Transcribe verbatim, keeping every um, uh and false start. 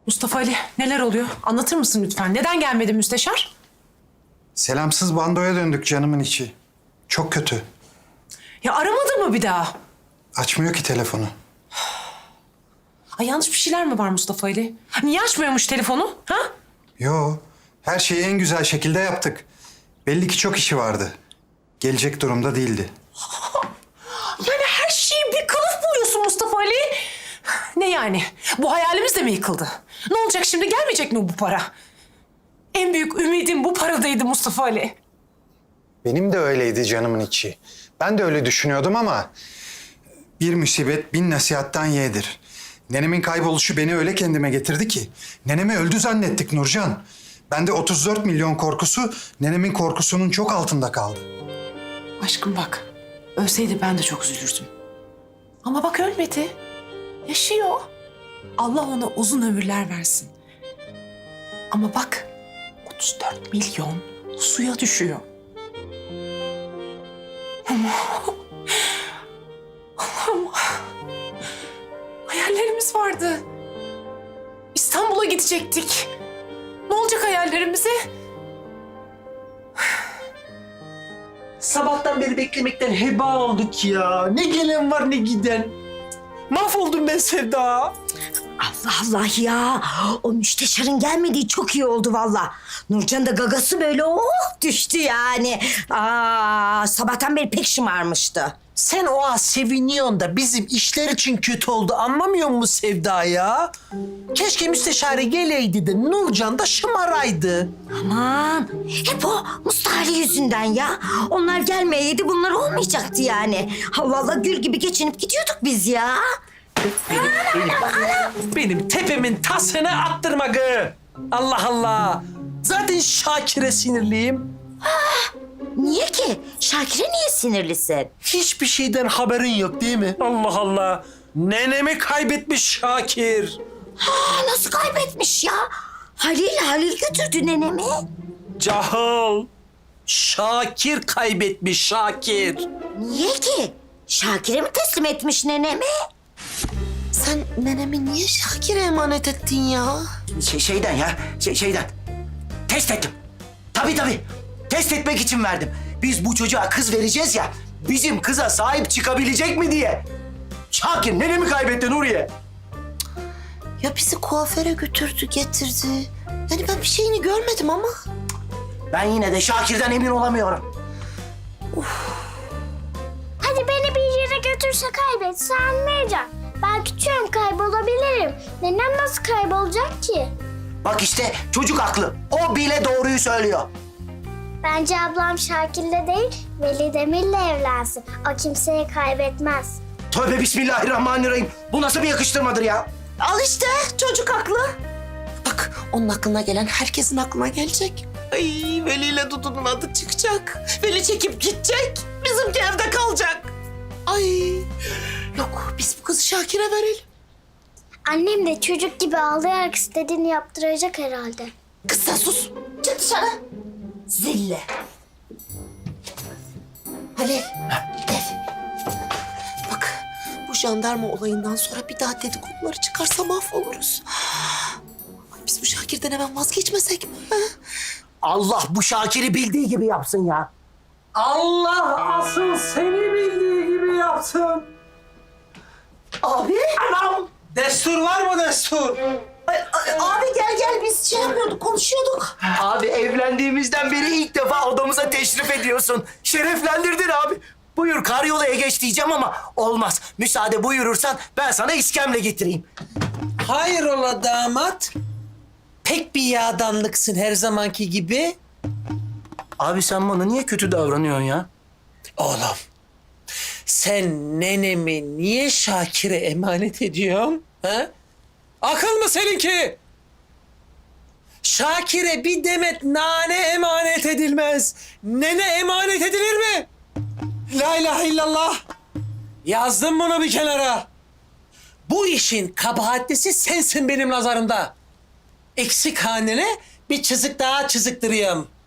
Mustafa Ali, neler oluyor? Anlatır mısın lütfen? Neden gelmedi müsteşar? Selamsız bandoya döndük canımın içi. Çok kötü. Ya aramadı mı bir daha? Açmıyor ki telefonu. Ay yanlış bir şeyler mi var Mustafa Ali? Niye açmıyormuş telefonu? Ha? Yo, her şeyi en güzel şekilde yaptık. Belli ki çok işi vardı. Gelecek durumda değildi. Yani her şeyi bir kılıf buluyorsun Mustafa Ali. Ne yani? Bu hayalimiz de mi yıkıldı? Ne olacak şimdi? Gelmeyecek mi bu para? En büyük ümidim bu paradaydı Mustafa Ali. Benim de öyleydi canımın içi. Ben de öyle düşünüyordum ama... bir musibet bin nasihattan yeğdir. Nenemin kayboluşu beni öyle kendime getirdi ki... nenemi öldü zannettik Nurcan. Ben de otuz dört milyon korkusu... nenemin korkusunun çok altında kaldı. Aşkım bak, ölseydi ben de çok üzülürdüm. Ama bak ölmedi. Yaşıyor. Allah ona uzun ömürler versin. Ama bak, otuz dört milyon suya düşüyor. Ama... Allah'ım... Hayallerimiz vardı. İstanbul'a gidecektik. Ne olacak hayallerimize? Sabahtan beri beklemekten heba olduk ya. Ne gelen var ne giden. Mahvoldum ben Sevda. Allah Allah ya. O müsteşarın gelmediği çok iyi oldu valla. Nurcan da gagası böyle oh düştü yani. Aa, sabahtan beri pek şımarmıştı. Sen o an seviniyorsun da bizim işler için kötü oldu. Anlamıyor musun Sevda ya? Keşke müsteşare geleydi de Nurcan da şımaraydı. Aman hep o Mustafa'lı yüzünden ya. Onlar gelmeyeydi bunlar olmayacaktı yani. Ha vallahi gül gibi geçinip gidiyorduk biz ya. Benim, benim, benim tepemin tasını attırma gı. Allah Allah. Zaten Şakir'e sinirliyim. Niye ki? Şakir'e niye sinirlisin? Hiçbir şeyden haberin yok değil mi? Allah Allah. Nenemi kaybetmiş Şakir. Ha, nasıl kaybetmiş ya? Halil Halil götürdü nenemi. Cahil. Şakir kaybetmiş Şakir. Niye ki? Şakir'e mi teslim etmiş nenemi? Sen nenemi niye Şakir'e emanet ettin ya? Şey, şeyden ya, şey, şeyden. Test ettim. Tabii tabii. Test etmek için verdim. Biz bu çocuğa kız vereceğiz ya, bizim kıza sahip çıkabilecek mi diye. Şakir nenemi kaybetti Nuriye. Ya bizi kuaföre götürdü, getirdi. Yani ben bir şeyini görmedim ama. Ben yine de Şakir'den emin olamıyorum. Hadi beni bir yere götürse kaybetse anlayacağım. Ben küçüğüm kaybolabilirim. Nenem nasıl kaybolacak ki? Bak işte çocuk haklı. O bile doğruyu söylüyor. Bence ablam Şakir'le değil, Veli Demir'le evlensin. O kimseyi kaybetmez. Tövbe bismillahirrahmanirrahim. Bu nasıl bir yakıştırmadır ya? Al işte çocuk haklı. Bak onun aklına gelen herkesin aklına gelecek. Ay Veli ile Dudu'nun adı çıkacak. Veli çekip gidecek. Bizimki evde kalacak. Ay yok biz bu kızı Şakir'e verelim. Annem de çocuk gibi ağlayarak istediğini yaptıracak herhalde. Kız sen sus. Çık dışarı. Zille. Halil. Gel. Bak bu jandarma olayından sonra bir daha dedikoduları çıkarsa mahvoluruz. Ay, biz bu Şakir'den hemen vazgeçmesek mi? ha? Allah bu Şakir'i bildiği gibi yapsın ya. Allah asıl seni bildiği gibi yapsın. Abi. Anam. Destur var mı destur? Abi gel gel biz şey yapıyorduk konuşuyorduk. Abi evlendiğimizden beri ilk defa odamıza teşrif ediyorsun. Şereflendirdin abi. Buyur karyolaya geç diyeceğim ama olmaz. Müsaade buyurursan ben sana iskemle getireyim. Hayrola damat? Pek bir yağdanlıksın her zamanki gibi. Abi sen bana niye kötü davranıyorsun ya? Oğlum, sen nenemi niye Şakir'e emanet ediyorsun? Ha? Akıl mı seninki? Şakir'e bir demet nane emanet edilmez. Nene emanet edilir mi? La ilahe illallah. Yazdım bunu bir kenara. Bu işin kabahatlisi sensin benim nazarımda. Eksik hanene bir çizik daha çiziktiriyorum.